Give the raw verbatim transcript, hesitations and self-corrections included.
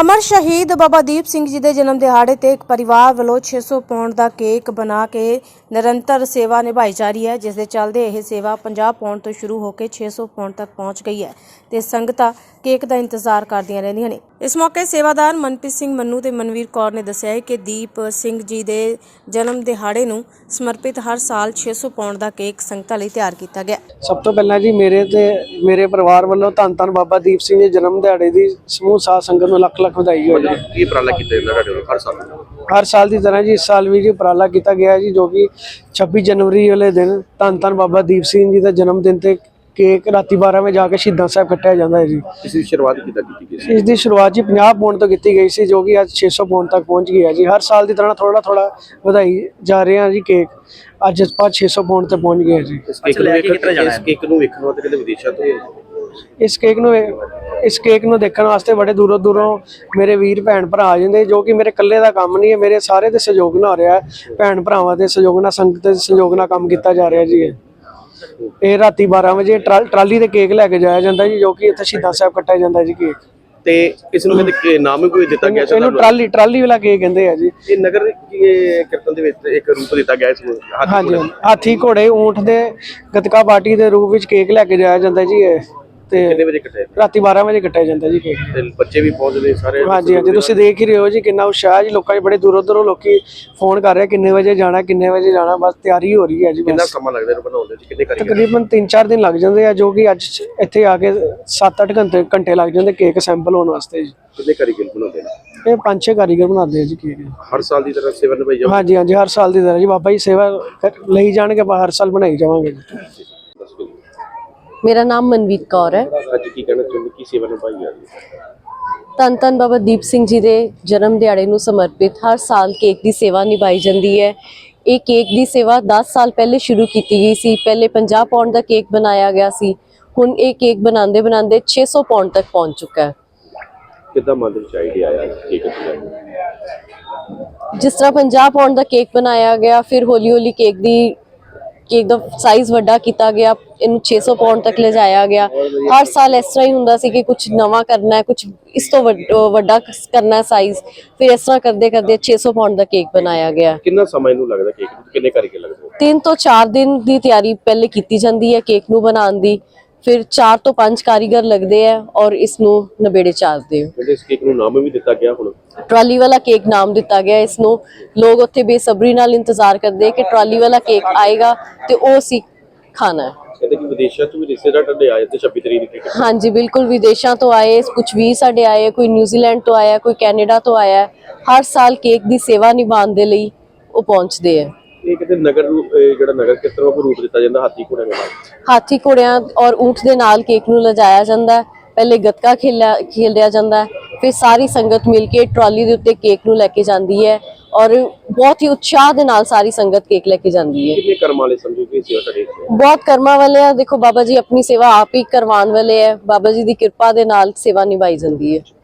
अमर शहीद बाबा दीप सिंह जी के जन्म दिहाड़े ते एक परिवार वालों छे सौ पाउंड का केक बना के निरंतर सेवा निभाई जा रही है, जिस दे चलदे यह सेवा पचास पाउंड तो शुरू होकर छे सौ पाउंड तक पहुँच गई है ते संगतां केक का इंतजार करदियां रहिंदियां ने। इस मौके सेवादार मनप्रीत सिंह मन्नू ते मनवीर कौर ने दस्सिया है कि दीप सिंह जी के जन्म दिहाड़े नूं समर्पित हर साल छे सौ पाउंड का केक संगतां लई तैयार किया गया। सब तो पहला जी मेरे ते मेरे परिवार वालों धन धन बाबा दीप सिंह जी जन्म दिहाड़े की समूह साध संगत नूं लख लख बधाई हो जी। ਕੀ ਉਪਰਾਲਾ ਕੀਤਾ ਜਾਂਦਾ ਤੁਹਾਡੇ ਵੱਲੋਂ ਹਰ ਸਾਲ? हर साल की तरह जी इस साल भी जी उपराला किया गया जी, जो कि छब्बीस जनवरी वाले दिन धन धन बाबा दीप सिंह जी का जन्मदिन ते केक राती बारह बजे जाके शहीदां साहब कट्टिया जाता है जी। ਇਸ ਦੀ ਸ਼ੁਰੂਆਤ ਕਿੱਦਾਂ ਕੀਤੀ ਗਈ ਸੀ? इसकी शुरुआत जी पचास पाउंड तो की गई सी, जो कि अज छे सौ पाउंड तक पहुँच गई है जी। हर साल की तरह थोड़ा थोड़ा ਵਧਾਈ जा रहे हैं जी। केक अज ਆਪਾਂ छे सौ पाउंड तक पहुँच गए हैं जी। ਇਸ ਕੇਕ ਨੂੰ ਵੇਖਣ ਇਸ ਕੇਕ ਨੂੰ ਵੇਖਣ ਵਾਸਤੇ ਕਿਤੇ ਵਿਦੇਸ਼ਾਂ ਤੋਂ इस केक ਨੂੰ इस केक ਨੂੰ ਦੇਖਣ ਵਾਸਤੇ ਬੜੇ ਦੂਰੋਂ ਦੂਰੋਂ ਮੇਰੇ ਵੀਰ ਭੈਣ ਭਰਾ ਆ ਜਾਂਦੇ, ਜੋ ਕਿ ਮੇਰੇ ਇਕੱਲੇ ਦਾ ਕੰਮ ਨਹੀਂ ਹੈ, ਮੇਰੇ ਸਾਰੇ ਦੇ ਸਹਿਯੋਗ ਨਾਲ ਹੋ ਰਿਹਾ ਹੈ। ਭੈਣ ਭਰਾਵਾਂ ਦੇ ਸਹਿਯੋਗ ਨਾਲ, ਸੰਗਤ ਦੇ ਸਹਿਯੋਗ ਨਾਲ ਕੰਮ ਕੀਤਾ ਜਾ ਰਿਹਾ ਜੀ। ਇਹ ਇਹ ਰਾਤੀ ਬਾਰਹ ਵਜੇ ਟਰਾਲੀ ਤੇ ਕੇਕ ਲੈ ਕੇ ਜਾਇਆ ਜਾਂਦਾ ਜੀ, ਜੋ ਕਿ ਇੱਥੇ ਸ਼ਹੀਦਾਂ ਸਾਹਿਬ ਕੱਟਿਆ ਜਾਂਦਾ ਜੀ ਕੇਕ। ਤੇ ਇਸ ਨੂੰ ਕਹਿੰਦੇ ਨਾਮ ਕੋਈ ਦਿੱਤਾ ਗਿਆ ਸੀ? ਇਹਨੂੰ ਟਰਾਲੀ ਟਰਾਲੀ ਵਾਲਾ ਕੇਕ ਕਹਿੰਦੇ ਆ ਜੀ। ਇਹ ਨਗਰ ਕੀਰਤਨ ਦੇ ਵਿੱਚ ਇੱਕ ਰੂਪ ਦਿੱਤਾ ਗਿਆ ਇਸ ਨੂੰ। ਹਾਂਜੀ, ਹਾਥੀ ਘੋੜੇ ਊਂਠ ਦੇ ਗੱਤਕਾ ਪਾਰਟੀ ਦੇ ਰੂਪ ਵਿੱਚ ਕੇਕ ਲੈ ਕੇ ਜਾਇਆ ਜਾਂਦਾ ਜੀ। ਇਹ ਤੇ ਕਿੰਨੇ ਵਜੇ ਕੱਟਿਆ? ਰਾਤੀ ਬਾਰਹ ਵਜੇ ਕੱਟਿਆ ਜਾਂਦਾ ਜੀ ਕੇਕ। ਤੇ ਬੱਚੇ ਵੀ ਪਹੁੰਚਦੇ ਸਾਰੇ? ਹਾਂਜੀ ਹਾਂਜੀ, ਤੁਸੀਂ ਦੇਖ ਹੀ ਰਹੇ ਹੋ ਜੀ ਕਿੰਨਾ ਉਤਸ਼ਾਹ ਜੀ। ਲੋਕਾਂ 'ਚ ਬੜੇ ਦੂਰੋਂ ਦੂਰੋਂ ਲੋਕੀ ਫੋਨ ਕਰ ਰਹੇ ਕਿੰਨੇ ਵਜੇ ਜਾਣਾ ਕਿੰਨੇ ਵਜੇ ਜਾਣਾ, ਬਸ ਤਿਆਰੀ ਹੋ ਰਹੀ ਹੈ ਜੀ। ਕਿੰਨਾ ਸਮਾਂ ਲੱਗਦਾ ਇਹਨੂੰ ਬਣਾਉਣ ਦੇ? ਕਿੰਨੇ ਕਾਰੀਗਰ? ਤਕਰੀਬਨ ਤਿੰਨ ਚਾਰ ਦਿਨ ਲੱਗ ਜਾਂਦੇ ਆ, ਜੋ ਕਿ ਅੱਜ ਇੱਥੇ ਆ ਕੇ ਸੱਤ ਅੱਠ ਘੰਟੇ ਘੰਟੇ ਲੱਗ ਜਾਂਦੇ ਕੇਕ ਸੈਂਪਲ ਹੋਣ ਵਾਸਤੇ ਜੀ। ਕਿੰਨੇ ਕਾਰੀਗਰ ਬਣਾਉਂਦੇ ਨੇ? ਇਹ ਪੰਜ ਛੇ ਕਾਰੀਗਰ ਬਣਾਉਂਦੇ ਆ ਜੀ ਕੇਕ। ਹਰ ਸਾਲ ਦੀ ਤਰ੍ਹਾਂ ਸੇਵਾ ਨਿਭਾਈ ਜਾਊ? ਹਾਂਜੀ ਹਾਂਜੀ, ਹਰ ਸਾਲ ਦੀ ਤਰ੍ਹਾਂ ਜੀ। ਬਾਬਾ ਜੀ ਸੇਵਾ ਕਰ- ਲਈ ਜਾਣਗੇ, ਆਪਾਂ ਹਰ ਸਾਲ ਬਣਾਈ ਜਾਵਾਂਗੇ ਜੀ। मेरा नाम मनवीर कौर है। ਅੱਜ ਕੀ ਕਹਿਣਾ ਚਾਹੁੰਦੇ, ਕੀ ਸੇਵਾ ਨਿਭਾਈ ਜਾ ਰਹੀ ਹੈ? ਧੰਨ ਧੰਨ ਬਾਬਾ ਦੀਪ ਸਿੰਘ ਜੀ ਦੇ ਜਨਮ ਦਿਹਾੜੇ ਨੂੰ ਸਮਰਪਿਤ ਹਰ ਸਾਲ ਕੇਕ ਦੀ ਸੇਵਾ ਨਿਭਾਈ ਜਾਂਦੀ ਹੈ। ਇਹ ਕੇਕ ਦੀ ਸੇਵਾ ਦਸ ਸਾਲ ਪਹਿਲੇ ਸ਼ੁਰੂ ਕੀਤੀ ਗਈ ਸੀ। ਪਹਿਲੇ ਪੰਜਾਹ ਪਾਉਂਡ ਦਾ ਕੇਕ ਬਣਾਇਆ ਗਿਆ ਸੀ, ਹੁਣ ਇਹ ਕੇਕ ਬਣਾਉਂਦੇ ਬਣਾਉਂਦੇ ਛੇ ਸੌ ਪਾਉਂਡ ਤੱਕ ਪਹੁੰਚ ਚੁੱਕਾ ਹੈ। ਕਿੱਦਾਂ ਮਨ ਦੇ ਵਿੱਚ ਆਈਡੀਆ ਆਇਆ ਕੇਕ ਬਣਾਉਣ ਦਾ? ਜਿਸ ਤਰ੍ਹਾਂ ਪੰਜਾਹ ਪਾਉਂਡ ਦਾ ਕੇਕ ਬਣਾਇਆ ਗਿਆ, ਫਿਰ ਹੌਲੀ ਹੌਲੀ ਕੇਕ ਦੀ ਕੇਕ ਦਾ ਸਾਈਜ਼ ਵੱਡਾ ਕੀਤਾ ਗਿਆ, ਇਹਨੂੰ ਛੇ ਸੌ ਪਾਉਂਡ ਤੱਕ ਲਿਜਾਇਆ ਗਿਆ। ਹਰ ਸਾਲ ਇਸ ਤਰ੍ਹਾਂ ਹੀ ਹੁੰਦਾ ਸੀ ਕਿ ਕੁਝ ਨਵਾਂ ਕਰਨਾ ਹੈ, ਕੁਝ ਇਸ ਤੋਂ ਵੱਡਾ ਕਰਨਾ ਹੈ ਸਾਈਜ਼। ਫਿਰ ਇਸ ਤਰ੍ਹਾਂ ਕਰਦੇ ਕਰਦੇ ਛੇ ਸੌ ਪਾਉਂਡ ਦਾ ਕੇਕ ਬਣਾਇਆ ਗਿਆ। ਕਿੰਨਾ ਸਮਾਂ ਇਹਨੂੰ ਲੱਗਦਾ ਕੇਕ ਨੂੰ? ਕਿੰਨੇ ਕਾਰੀਗਰ ਲੱਗਦੇ? ਤਿੰਨ ਤੋਂ ਚਾਰ ਦਿਨ ਦੀ ਤਿਆਰੀ ਪਹਿਲੇ ਕੀਤੀ ਜਾਂਦੀ ਹੈ ਕੇਕ ਨੂੰ ਬਣਾਉਣ ਦੀ, ਫਿਰ ਚਾਰ ਤੋਂ ਪੰਜ ਕਾਰੀਗਰ ਲੱਗਦੇ ਆ ਔਰ ਇਸ ਨੂੰ ਨਵੇੜੇ ਚਾੜਦੇ ਹੋ। ਇਸ ਕੇਕ ਨੂੰ ਨਾਮ ਵੀ ਦਿੱਤਾ ਗਿਆ ਹੁਣ? ਟਰਾਲੀ ਵਾਲਾ ਕੇਕ ਨਾਮ ਦਿੱਤਾ ਗਿਆ ਇਸ ਨੂੰ। ਲੋਕ ਉੱਥੇ ਬੇਸਬਰੀ ਨਾਲ ਇੰਤਜ਼ਾਰ ਕਰਦੇ ਕਿ ਟਰਾਲੀ ਵਾਲਾ ਕੇਕ ਆਏਗਾ ਤੇ ਉਹ ਅਸੀਂ ਖਾਣਾ ਹੈ। ਕਹਿੰਦੇ ਕਿ ਵਿਦੇਸ਼ਾਂ ਤੋਂ ਵੀ ਰਿਸ਼ਤੇਦਾਰ ਤੁਹਾਡੇ ਆਏ ਤੇ ਛੱਬੀ ਤਰੀਕ ਦੀ? ਹਾਂਜੀ ਬਿਲਕੁਲ, ਵਿਦੇਸ਼ਾਂ ਤੋਂ ਆਏ, ਕੁਝ ਵੀ ਸਾਡੇ ਆਏ, ਕੋਈ ਨਿਊਜ਼ੀਲੈਂਡ ਤੋਂ ਆਇਆ, ਕੋਈ ਕੈਨੇਡਾ ਤੋਂ ਆਇਆ। ਹਰ ਸਾਲ ਕੇਕ ਦੀ ਸੇਵਾ ਨਿਭਾਉਣ ਦੇ ਲਈ ਉਹ ਪਹੁੰਚਦੇ ਆ। ਇਹ ਕਿਤੇ ਨਗਰ ਜਿਹੜਾ ਨਗਰ ਕਿਸ ਤਰ੍ਹਾਂ ਰੂਪ ਦਿੱਤਾ ਜਾਂਦਾ? ਹਾਥੀ ਘੋੜੇ ਨਾਲ? ਹਾਥੀ ਘੋੜਿਆਂ ਔਰ ਊਂਠ ਦੇ ਨਾਲ ਕੇਕ ਨੂੰ ਲਿਜਾਇਆ ਜਾਂਦਾ ਹੈ। ਪਹਿਲੇ ਗੱਤਕਾ ਖੇਲਿਆ ਖੇਲਿਆ ਜਾਂਦਾ ਹੈ, ਫਿਰ ਸਾਰੀ ਸੰਗਤ ਮਿਲ ਕੇ ਟਰਾਲੀ ਦੇ ਉੱਤੇ ਕੇਕ ਨੂੰ ਲੈ ਕੇ ਜਾਂਦੀ ਹੈ ਔਰ ਬਹੁਤ ਹੀ ਉਤਸ਼ਾਹ ਦੇ ਨਾਲ ਸਾਰੀ ਸੰਗਤ ਕੇਕ ਲੈ ਕੇ ਜਾਂਦੀ ਹੈ। ਕਿੰਨੇ ਕਰਮ ਵਾਲੇ ਸਮਝੋ ਕਿ ਸੇਵਾ ਤੁਹਾਡੇ? ਬਹੁਤ ਕਰਮਾਂ ਵਾਲੇ ਆ। ਦੇਖੋ ਬਾਬਾ ਜੀ ਆਪਣੀ ਸੇਵਾ ਆਪ ਹੀ ਕਰਵਾਉਣ ਵਾਲੇ ਹੈ। ਬਾਬਾ ਜੀ ਦੀ ਕਿਰਪਾ ਦੇ ਨਾਲ ਸੇਵਾ ਨਿਭਾਈ ਜਾਂਦੀ ਹੈ।